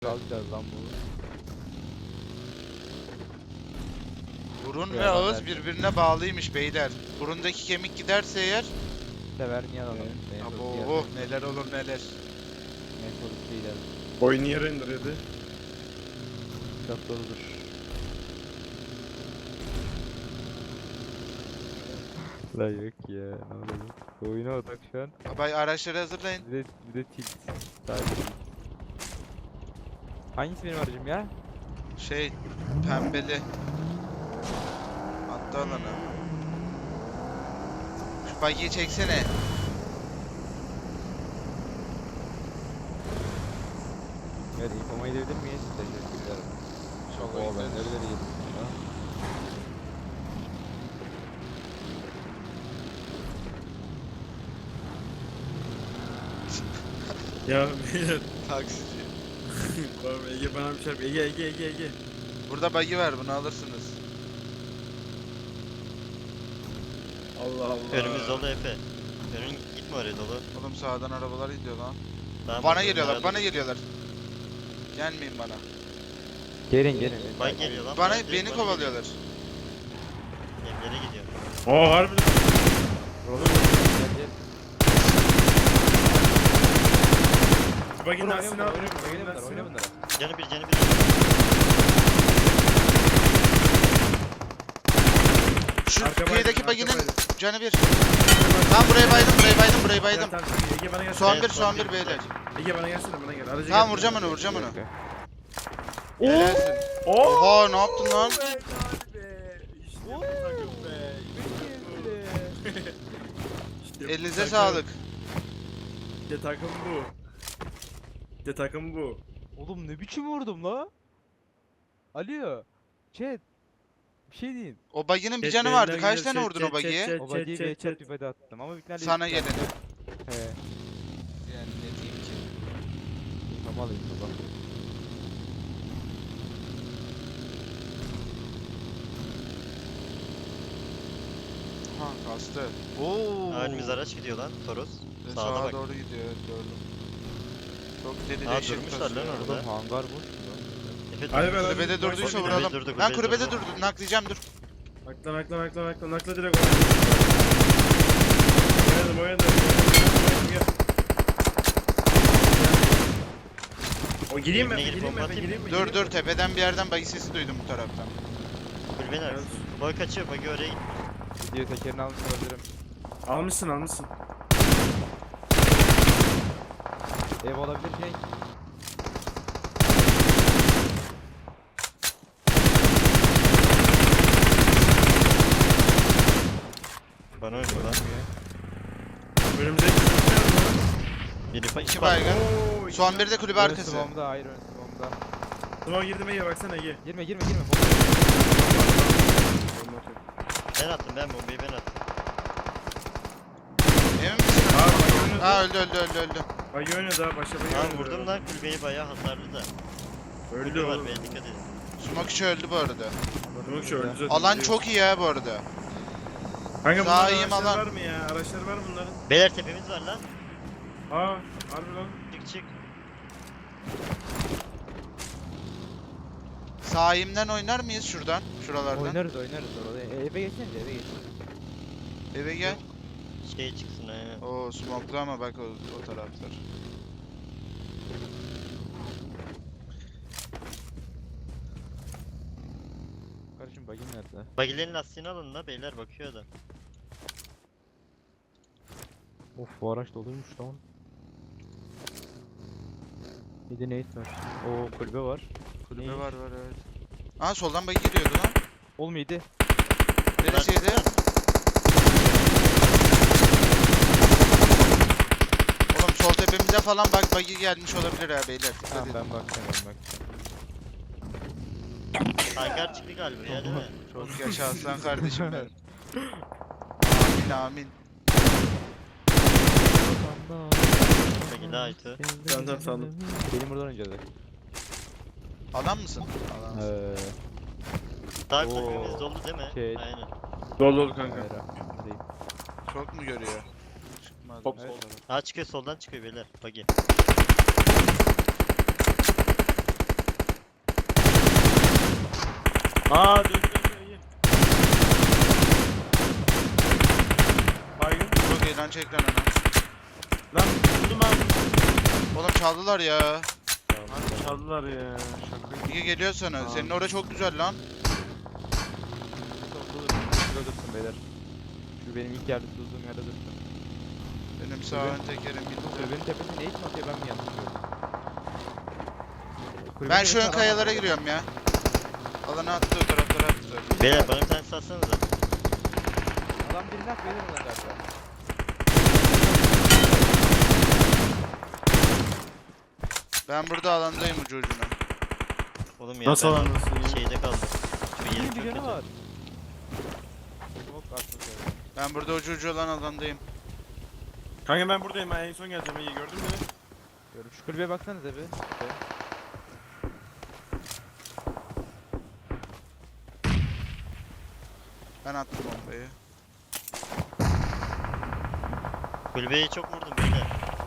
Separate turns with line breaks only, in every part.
Alacağız lan bunu.
Burun ve
Yalan
ağız
verdim.
birbirine bağlıymış beyler. Burundaki kemik giderse eğer
Sever niye alalım?
abo neler olur neler.
Metodist değil abi.
Oyun niye render yedi?
Çok doludur. La yok ya. Ne oluyor? Oyuna odak şu an.
Abay araçları hazırlayın.
Bir de tilt. Sadece tilt. Hangisi benim aracım ya?
Şey pembeli. Attı alana. Şu bagiyi çeksene.
Evet, infoma edebilir miyiz? Teşekkürler.
Çok
Oo, ben
ayıp.
nereleri yedim ya.
Ya beyler.
Taksici.
Oğlum Ege bana bir çarp. Ege.
Burada bagi var, bunu alırsınız.
Allah Allah.
Önümüz dolu Efe. Önün gitme oraya dolu.
Oğlum sağdan arabalar gidiyor lan.
Tamam,
Bana
bak,
geliyorlar,
onları
bana
alın.
geliyorlar. Gelmeyin bana.
Gelin.
Bak geliyor lan.
Bana
direkt
beni
bana
kovalıyorlar.
geliyor. Evlere gidiyor.
Oo harbi.
Oğlum gel.
Bagin
Oyna
lastiğini
bunlara,
al.
oyna bunlara.
Canı bir.
Şu
Arka
kıyıdaki
baygın,
baginin
arka baygın.
canı bir. Tamam burayı baydım.
Tamam, Ege bana gelsene.
Son
Evet,
bir,
son
son
bir.
bir beyler.
Ege bana gelsene bana gel. Aracı
Tamam
gel.
vuracağım onu.
Oo.
Helalsin.
Oo.
Oha ne yaptın lan? Elinize sağlık.
İşte takım bu. İşte takım bu.
Oğlum ne biçim vurdum la? Alo. Chat. Bir şey diyeyim.
O baginin bir
Chat
canı vardı.
yayından
Kaç tane
gidiyor,
vurdun
chat,
o bagiye?
chat,
O
chat,
body'yi
chat,
bir
chat.
bir body attım ama bitlerle
Sana geleni.
He.
Yani ne diyeyim ki?
Tamam alayım baba.
Ha kastı. Oo.
Önümüz araç gidiyor lan. Toros.
Ve
Sağda
sağa
bak.
doğru gidiyor, evet gördüm. Çok deli
Aa,
değişik
durmuşlar
kasıyor.
lan orada.
Oğlum hangar boş mu lan?
Efe
Hadi
durmuş.
be lan.
Kulübede durduysa
Kulübede
vuralım.
durdu,
Lan
kulübede
kulübede
durdu.
durdu. Naklayacağım dur.
Nakla direkt oynadım. Gel. O gireyim mi?
Evine girip
Gireyim mi?
bomba atayım
Gireyim
mı?
mi?
Dur tepeden bir yerden bagi sesi duydum bu taraftan.
Kulübenin arkası. Boy kaçıyor. Bagi oraya gitti.
Video tekerini almış olabilirim.
Almışsın.
Ev olabilir şey.
Bana öldü lan.
Önümüze
Biri
İki baygın. Son bir de kulübe
Ön
arkası.
sıvamda, hayır ön sıvamda.
Tamam girdim Ege baksana Ege.
Girme.
Ben attım bombayı ben attım.
Emin misin?
Aa bak oynadı.
Ha öldü.
Bak oynadı ha başa bak
Tamam
oynadı.
vurdum lan kulübeyi bayağı hasarlı da.
Öldü
Kulübe var
oğlum.
be dikkat edin.
Sumak içi öldü bu arada.
Yok şu öldü zaten.
Alan çok iyi ya bu arada.
Kanka
Daha
bunların
iyiyim
araçları
alan.
var mı ya? Araçları var mı bunların?
Beyler tepemiz var lan.
Aa harbi lan.
Çık.
Sahimden oynar mıyız şuradan? Şuralardan.
Oynarız orada. Eve geçsene eve.
Eve gel.
Şey çıksın aynen.
Oo smoklu ama bak o taraflar.
Kardeşim bagin nerede?
Bagilerin lastiğini alın da beyler bakıyor da.
Of bu araç doluymuş lan. Bir de nate var. Oo kulübe var.
Kulübe
Neymiş?
var evet. Aa soldan bagi geliyordu lan.
Oğlum iyiydi.
Neresiydi? Oğlum sol tepemize falan bak bagi gelmiş olabilir ha beyler. Dikkat
Tamam
edin.
ben bakacağım.
Hangar çıktı galiba ya değil mi?
Çok yaşa aslan kardeşim benim. Amin.
Bagi daha iyiydi.
Tamam, sandım.
Benim buradan oynayacağız.
Adam mısın? Adam.
Daha
Oo.
kulübemiz dolu değil mi?
Şey.
Aynen.
Dolu kanka.
Hayır değil.
Çok mu görüyor? Çıkmaz.
Top
Evet.
soldan.
Ha çıkıyor soldan çıkıyor beyler. Bagi.
Aa döndü Ege. Baygın.
Çok iyi lan çek lan onu.
Lan vurdum abi.
Oğlum çaldılar ya.
Abi çaldılar ya. Şaka.
İyi geliyor sana.
Tamam.
Senin orada çok güzel lan.
Şurada dursun beyler. Şu benim ilk yerde durduğum yerde dursun.
Benim sağ ön tekerim gitti.
Kulübenin tepesinde ne için atıyor ben mi yanlış görüyorum? Kulübenin
Ben şu ön
tepesinde
kayalara
adam var.
giriyorum ya. Alana attı o taraflara attı zaten.
Beyler bana bir tane satsanıza.
Adam birini hak verir ona galiba.
Ben burada alandayım ucu ucuna.
Oğlum ya
Nasıl
ben
alandasın ya?
şeyde kaldım. Şu yeri
Bir
çok
canı
kötü.
var. Çok atmış öyle.
Ben burada ucu ucu olan alandayım.
Kanka ben buradayım. Ben en son geleceğim. İyi gördün mü?
Görüyorum. Şu kulübeye baksanıza bir.
Ben attım bombayı.
Kulübeyi çok vurdum beyler.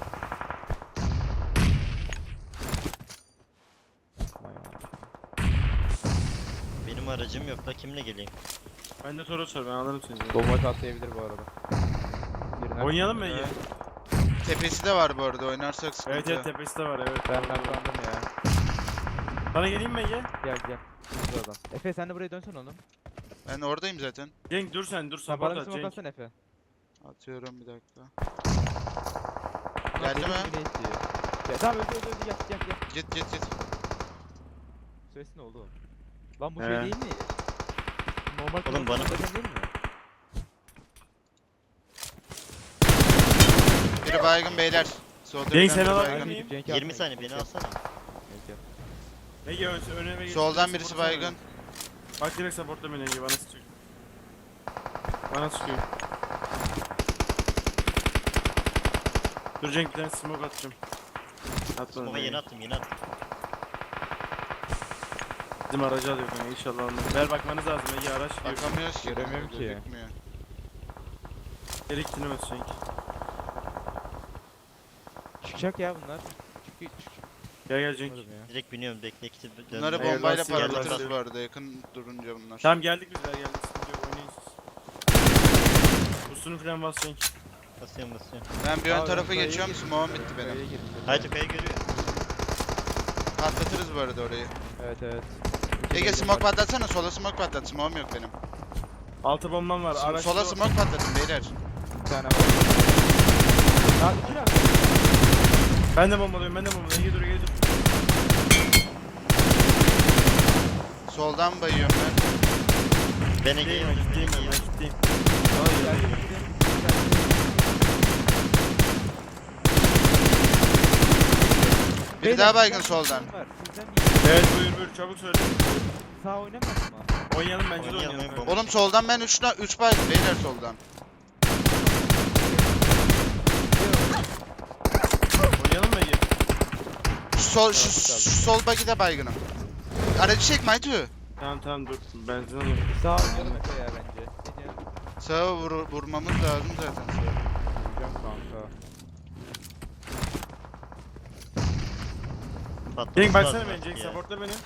Benim aracım yok da kimle geleyim?
Ben de Toros var. Ben alırım seni.
Bomba atlayabilir bu arada. Birini hak
Oynayalım mı
verir.
Ege?
Tepesi de var bu arada oynarsak sıkıntı.
Evet evet tepesi de var evet.
Ben naklandım ya.
Sana geleyim mi Ege?
Gel gel. Bu adam. Efe sen de buraya dönsen oğlum.
Ben oradayım zaten.
Cenk dur sen dur
Sen
support
bana bir
at
smoke
Cenk.
atsana Efe.
Atıyorum bir dakika.
Ulan
Geldi
benim
mi?
gibi ne istiyor? Ya tamam öldü gel gel gel.
Git git git.
Süresi ne oldu oğlum? Lan bu
He.
şey değil mi? Normal
Oğlum bana-
kullanıcı değil mi?
Biri baygın beyler. Solda
Cenk,
bir
sen
tane
alabilir
baygın.
miyim?
20 saniye beni alsana.
Ege önüme geç.
Soldan birisi
Supportsana
baygın.
beni. Bak direkt supportla beni Ege bana sıkıyor. Bana sıkıyor. Dur Cenk bir tane smoke atacağım. Atma.
Smoke'a yeni attım yeni attım.
Bizim aracı alıyor kanka inşallah almaz. Ver bakmanız lazım Ege araç yok.
Bakamıyoruz ki.
Göremiyorum ki.
Gözükmüyor.
Erik dinlemez Cenk.
Çıkacak ya bunlar. Çık.
Gel gel Cenk.
Çıkmadım ya.
Direkt biniyorum bekle kiti
Bunları
Hayır,
bombayla
lastik yerler
parlatırız
diyor.
bu arada yakın durunca bunlar.
Tamam geldik biz geldik sıkıntı yok oynayın siz. Boostunu falan bas Cenk.
Basıyorum basıyorum.
Ben bir ön
Abi,
tarafa
kayaya
geçiyorum
girdim.
smoke'um bitti
Kayaya
benim.
girdim.
Haydi kayı görüyor.
Patlatırız bu arada orayı.
Evet.
Ege smoke patlatsana sola smoke patlat smoke'um yok benim.
Altı bombam var. Araç
Sola smoke patlatın beyler.
Bir tane var. Daha iki dakika.
Ben de bombalıyorum Ege dur Ege dur.
Soldan bayıyorum ben.
Ben
Gideyim
Ege'yim.
ben gideyim ben gideyim.
Biri daha baygın soldan.
Evet buyur çabuk söyle.
Sağ oynamaz mı?
Oynayalım bence de
Oynayalım,
oynayalım.
bomba.
Oğlum soldan ben 3 baygın beyler soldan.
Oynayalım mı Ege?
Şu sol bug'i de baygınım. Aracı çek Maytu.
Tamam dur benzin alıyorum.
Sağ oynayalım Efe ya bence. Ne diyorsun?
Sağa vurmamız lazım zaten.
Vuracağım kanka.
Patlaması
Cenk baksana
lazım
beni
artık
Cenk
ya.
supportla beni.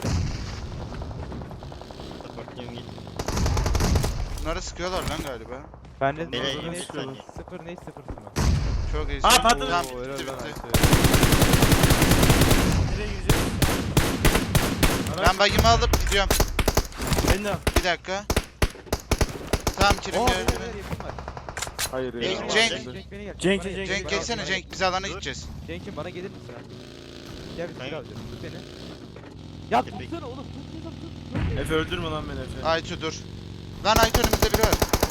Supportluyorum git.
Bunlara sıkıyorlar lan galiba.
Ben de
Beyler,
sıfır
20
ne
saniye.
sıfır ne sıfır mı?
Çok iyi.
Aa, patladı.
Tamam
Oo, helal
bitti
lan
bitti.
Ayşe.
Nereye gireceğiz?
Ben bug'imi alıp gidiyorum.
Ben de al.
Bir dakika. Tamam kirim
Oo,
geldi.
beyler, yakın var.
Hayır
ya.
Cenk,
Cenk.
Cenk beni gel.
Cenk,
Bana
Cenk,
gel.
Cenk
Bana
geçsene
gel.
Cenk biz alana
Dur.
gideceğiz.
Cenk'im bana gelir misin abi? Gel bir
Kanka.
silah alacağım. Tut beni. Ya
Tepek.
tutsana oğlum tut.
Efe öldürme lan beni Efe.
Aytu dur. Lan Aytu önümüzde biri var.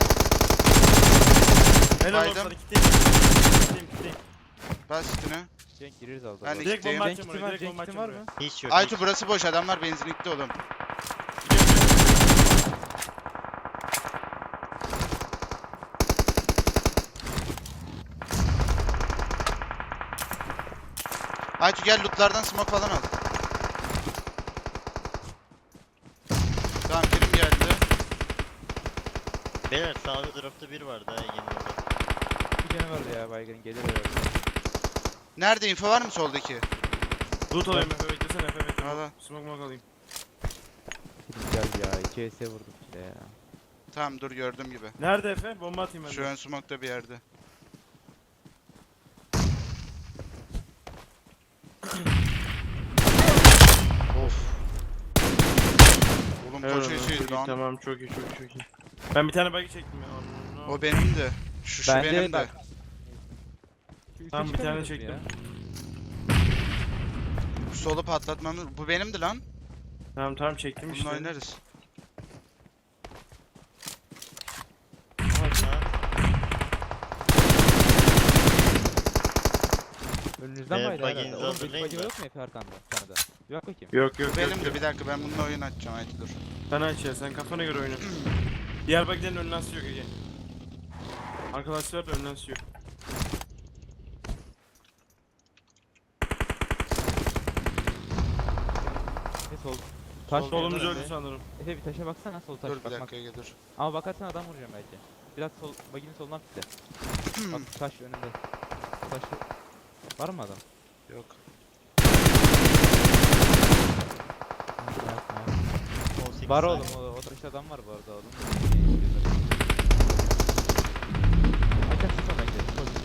Helal
Baydım.
olsun kitleyim.
Bas üstüne.
Cenk gireriz az
Ben
daha.
de
Direkt
kitleyim.
bomba
Cenk
atacağım
kitim
oraya
var,
direkt
Cenk
bomba
kitim var
atacağım
mı?
Hiç yok.
Aytu burası boş adamlar benzinlikte oğlum. Aytu gel lootlardan smoke falan al. Tamam kirim geldi.
Beyler sağda dropta bir var daha Ege'nin orada.
Bir tane var ya baygın gelir herhalde.
Nerede info var mı soldaki?
Loot alayım Efe beklesene Efe bekle.
Al al.
Smoke alayım.
vurdum gel ya. 2 HS vurdum işte ya.
Tamam dur gördüm gibi.
Nerede Efe? Bomba atayım ben
Şu
de.
ön smoke'ta bir yerde. Of. Oğlum
Helal
koç
olsun,
eşeğiydi
çok iyi,
lan.
tamam çok iyi çok iyi çok iyi. Ben bir tane buggy çektim ya. No.
O benimdi. Şu
Bende
benim de.
bak. Şu üçe
Tamam, bir tane
çıkamıyoruz mu
çektim.
ya?
Solu patlatmamız. Bu benimdi lan.
Tamam çektim
Bununla
işte.
oynarız.
Ha,
Önünüzden
Evet,
baydı
baginizi
herhalde. Oğlum bir
hazırlayın
bagi
da.
yok mu Efe arkanda? Sana da. Yok bakayım.
Yok yok
Bu
yok.
benimdi.
yok.
Bir dakika ben bununla oyun açacağım. Haydi dur.
Sen aç ya sen kafana göre oyna. Diğer buggy'lerin önünden sürüyor Ege. Arkadaşlar da önünden sürüyor.
Efe sol. Taş
Sol, solumuz
var
öldü
Efe.
sanırım.
Efe bir taşa baksana sol taş.
Dur bir
Bak, bak.
dakika Ege dur.
Ama bakarsan adam vuracağım belki. Biraz sol, baginin solundan pitle. Bak taş önünde. Taş var mı adam?
Yok.
18
Var
saniye.
oğlum o taşta adam var bu arada oğlum. Açak sıçma bence.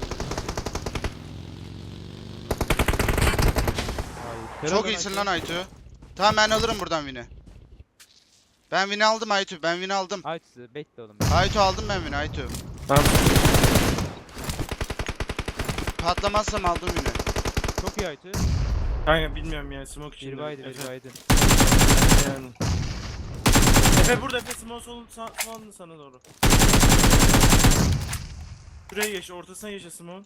Hayır.
Çok iyisin lan Aytu. Tamam ben alırım buradan win'i. Ben win'i aldım Aytu. Ben win'i aldım.
Aytu bekle oğlum.
Aytu aldım ben win'i Aytu.
Tamam.
Patlamazsam aldım win'i.
Çok iyi Aytu.
Kanka bilmiyorum ya smoke için.
Bir baydı bir baydı.
Yani. Efe burada Efe smoke solun sana doğru. Şuraya geç ortasına geç smoke.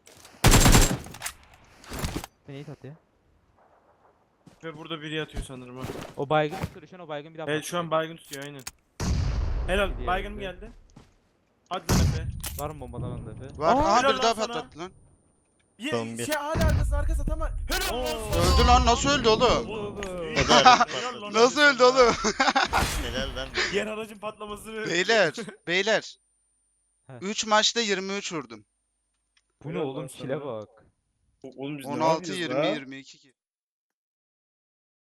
Sen iyi tat ya.
Ve burada biri yatıyor sanırım ha.
O baygın tutuyor şu an o baygın bir daha
Evet şu an
patlayacak.
baygın tutuyor aynen. Helal
Gidiyor
baygın
Efe.
geldi. Hadi lan Efe.
Var mı bombadan onda Efe?
Var.
Aa,
Aha
helal
bir daha
lan sana.
patlattı lan.
Son bir.
Şey hala arkası tamam. Helal
Oo.
olsun.
Öldü lan nasıl öldü oğlum?
Oğlum.
O da aracı
Helal lan
patladı.
Nasıl öldü oğlum?
Helal lan.
Diğer aracın patlamasını.
Beyler.
He.
3 maçta 23 vurdum.
Bu ne
Helal
oğlum
lan
kile
sana.
bak.
Oğlum biz ne
16
yapıyoruz
20
la?
22 ki.